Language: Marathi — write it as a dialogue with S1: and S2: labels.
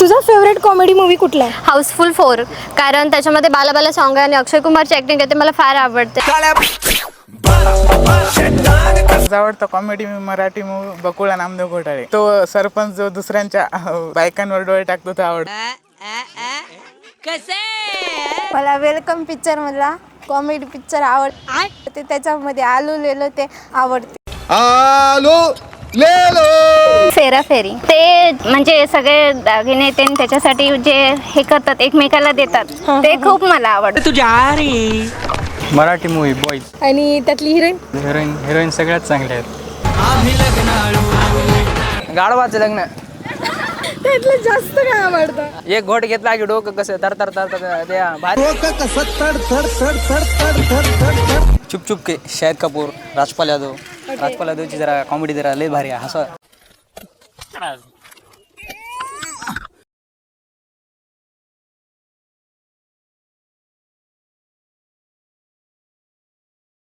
S1: तुझा फेवरेट कॉमेडी मूवी कुठला आहे?
S2: हाऊसफुल 4, कारण त्याच्यामध्ये बाला बाला सॉन्ग आहे आणि अक्षय कुमारची ॲक्टिंग आहे, ते मला फार आवडते.
S3: माझा आवडता कॉमेडी मराठी मूवी बकुळा नामदेव घोटाळे. तो सरपंच जो दुसऱ्यांच्या बायकांवर डोळे टाकतो तो आवडतो.
S1: मला वेलकम पिक्चर मधला कॉमेडी पिक्चर आवडते. त्याच्यामध्ये आलू लेलो ते आवडते.
S2: फेराफेरी ते म्हणजे सगळे दागिने ते त्याच्यासाठी जे हे करतात एकमेकाला देतात ते खूप मला आवडतं.
S4: मराठी मूवी बॉईज
S1: आणि त्यातली हिरोईन
S4: हिरोईन सगळ्यात चांगल्या आहेत. गाढवाचं लग्न
S1: त्यातलं जास्त काय आवडतं?
S4: एक घोट घेतला की डोकं कसं तर तर तर चुप चुप के शाहिद कपूर राजपाल यादवची जरा कॉमेडी जरा लय भारी आहे. असं